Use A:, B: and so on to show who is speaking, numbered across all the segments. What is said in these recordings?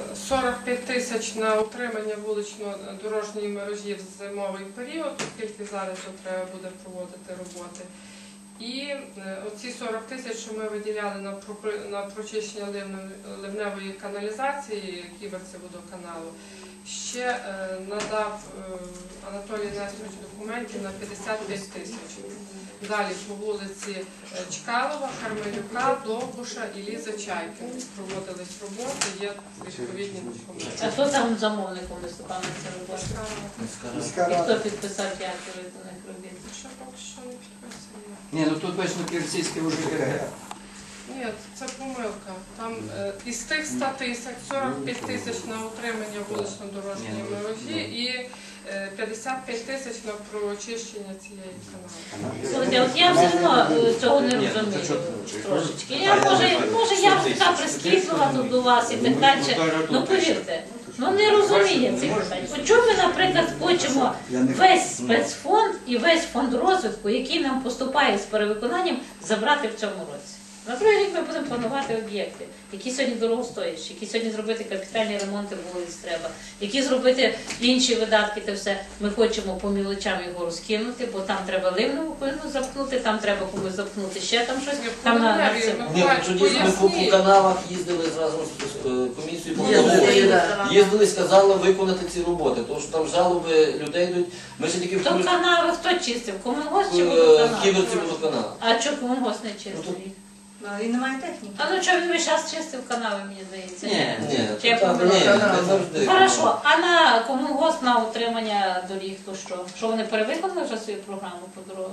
A: 45 тисяч на утримання вулично-дорожньої мережі в зимовий період, оскільки зараз треба буде проводити роботи. І оці 40 тисяч, що ми виділяли на прочищення ливневої каналізації Ківерці-водоканалу, ще надав Анатолій Несторович документів на 55 тисяч. Далі по вулиці Чкалова, Кармелюка, Довбуша і Лізи Чайкіної проводились роботи, є відповідні документи.
B: А хто там замовником виступав на цій роботі? І хто підписав дякую до них робіт?
A: Ще поки що не підписано.
C: Ні, ну тут точно Ківерцівське вже КГ.
A: Ні, це помилка. Там із тих 100 тисяч 45 тисяч на утримання вулично-дорожньої мережі і 55 тисяч на прочищення цієї канали.
B: Слухайте, от я все одно цього не розумію трошечки. Може я така прискіплива тут до вас і так далі. Ну повірте, ну не розуміє цих питань. От чому ми, наприклад, хочемо весь спецфонд і весь фонд розвитку, який нам поступає з перевиконанням, забрати в цьому році? Наприклад, як ми будемо планувати об'єкти, які сьогодні дорогостоящі, які сьогодні зробити капітальні ремонти вулиць треба, які зробити інші видатки, те все. Ми хочемо по мілочам його розкинути, бо там треба ливневу запнути, там треба комусь запнути ще там щось. Там на
D: Ні, тоді ми по каналах їздили зразу з комісією по Володимиру. Їздили, сказали виконати ці роботи, тому що там жалоби людей йдуть. Ми ще тільки
B: то канави хто чистив? Комунгос чи водоканал?
D: Ківерці водоканал.
B: А чого комунгос не чистив?
E: І немає техніки.
B: А ну чого він весь час чистив канави, мені здається?
D: Ні,
B: не
D: завжди.
B: Хорошо, а на комунгос на утримання доріг, то що? Що вони перевиконали вже свою програму по дорогах?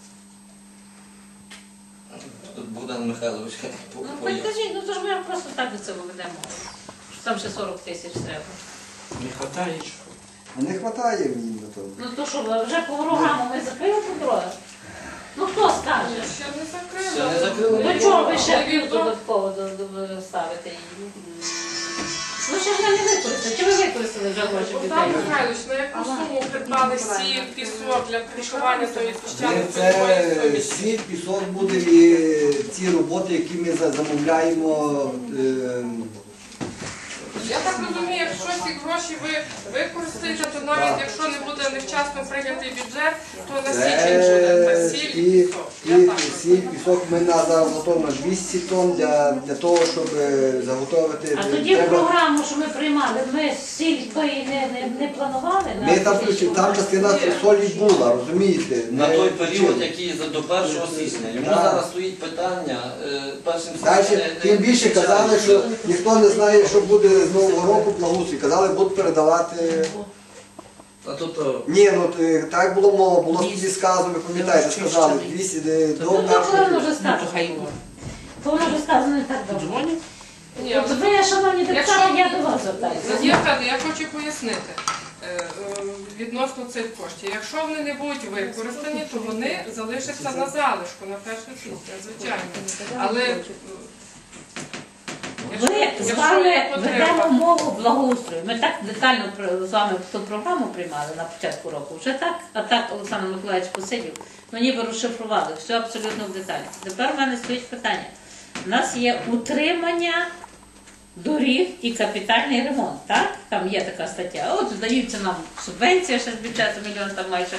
D: Тут Богдан Михайлович
B: Ну, покажіть, ну то ж ми просто так до цього ведемо. Що там ще 40 тисяч треба.
C: Не вистачає.
F: А не вистачає мені на то.
B: Ну то що, вже по програму ми закрили по дорогах? Ну хто скаже?
A: Ще не закрили.
D: Ще не закрили.
B: До чого ви ще пів додатково ставите її? Ну ще ж не використали. Чи ви використали вже гроші
A: Богдан
B: людей?
A: Михайлович, на яку суму придбали сіль, пісок для кришування тої піщаної
F: Це
A: польової
F: сіль, пісок буде і ці роботи, які ми замовляємо.
A: Я так розумію, якщо ці гроші ви використаєте, то навіть якщо не буде невчасно прийнятий бюджет, то на січень буде сіль і пісок.
F: Сіль, пісок ми заготовимо 200 тонн для того, щоб заготовити.
B: А тоді в програму, що ми приймали, ми сіль тої не планували?
F: Ми там включили, там частина солі була, розумієте?
D: На той період, який до 1 січня. Йому зараз стоїть питання першим
F: Далі, тим більше казали, що ніхто не знає, що буде з Нового року благоустрій. Казали, будуть передавати.
D: А то
F: Ні, ну так було мова, було тоді сказано, ви пам'ятаєте, сказали, 200 до
B: Ну то воно вже
F: першого.
B: сказано. То воно вже сказано не так давно.
A: Ні,
B: От ви, шановні депутати, я до вас звертаюся.
A: Надія Федорівна, я хочу пояснити відносно цих коштів. Якщо вони не будуть використані, то вони залишаться на залишку, на 1 січня, звичайно. Але
B: Ми з вами ведемо мову благоустрою. Ми так детально з вами ту програму приймали на початку року. Вже так, а так Олександр Миколаївич посидів, ну ніби розшифрували, все абсолютно в деталі. Тепер в мене стоїть питання. У нас є утримання доріг і капітальний ремонт, так? Там є така стаття. От здаються нам субвенція ще з бюджету мільйон там майже.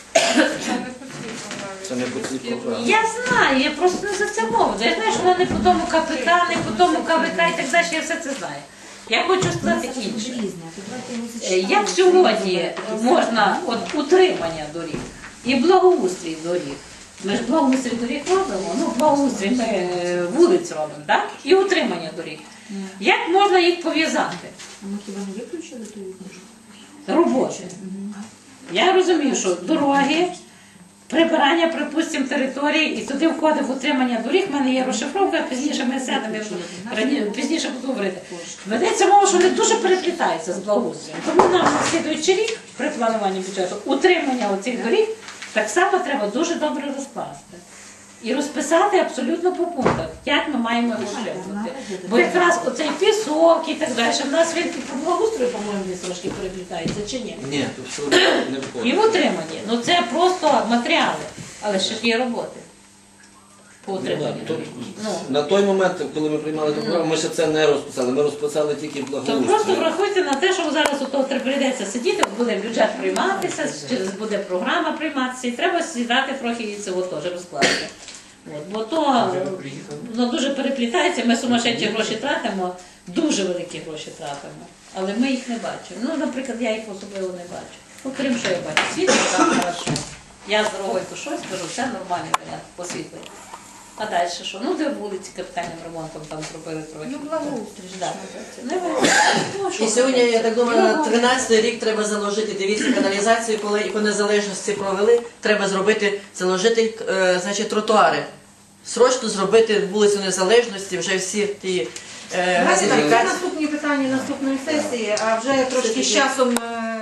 D: це не по цій програмі.
B: Я знаю, я просто не за це мову. Я знаю, що вона не по тому КПК, не по тому КВК і так далі, я все це знаю. Я хочу сказати інше. Як сьогодні можна от утримання доріг і благоустрій доріг? Ми ж благоустрій доріг робимо, ну благоустрій ми вулиць робимо, так? І утримання доріг. Як можна їх пов'язати?
E: А ми хіба не виключили ту книжку?
B: Роботи. Я розумію, що дороги, прибирання, припустимо, території, і туди входить утримання доріг. У мене є розшифровка, пізніше ми сядемо, пізніше буду говорити. Ведеться мова, що вони дуже переплітаються з благоустроєм. Тому нам на слідуючий рік при плануванні бюджету утримання оцих доріг так само треба дуже добре розкласти. І розписати абсолютно по пунктах, як ми маємо його утримувати. Бо якраз оцей пісок і так далі, в нас він по благоустрою, по-моєму, трошки переплітається, чи ні?
D: Ні, тут все не входить.
B: І в утриманні. Ну це просто матеріали, але ще ж є роботи. по утриманню. Ну,
D: На той момент, коли ми приймали ту програму, ми ще це не розписали. Ми розписали тільки
B: то просто
D: благоустрій.
B: врахуйте на те, що зараз у того прийдеться сидіти, буде бюджет прийматися, через буде програма прийматися, і треба сідати трохи і цього теж розкласти. От, бо то воно дуже переплітається, ми сумасшедші гроші тратимо, дуже великі гроші тратимо, але ми їх не бачимо. Ну, наприклад, я їх особливо не бачу. Ну, крім що я бачу, світло там хорошо. Я з дорогою то щось кажу, все нормальний варіант, посвітлий. А далі що? Ну, де вулиці капітальним ремонтом там зробили трохи.
E: Ну, благоустрій.
B: Да. Не вийде. Ну, що
G: І сьогодні, я так думаю, на
B: Ну,
G: 13-й рік треба заложити, дивіться, каналізацію, коли і по незалежності провели, треба зробити, заложити, значить, тротуари. Срочно зробити вулицю Незалежності, вже всі ті
E: Давайте так, це
G: газифікації.
E: наступні питання наступної сесії, а вже трошки з часом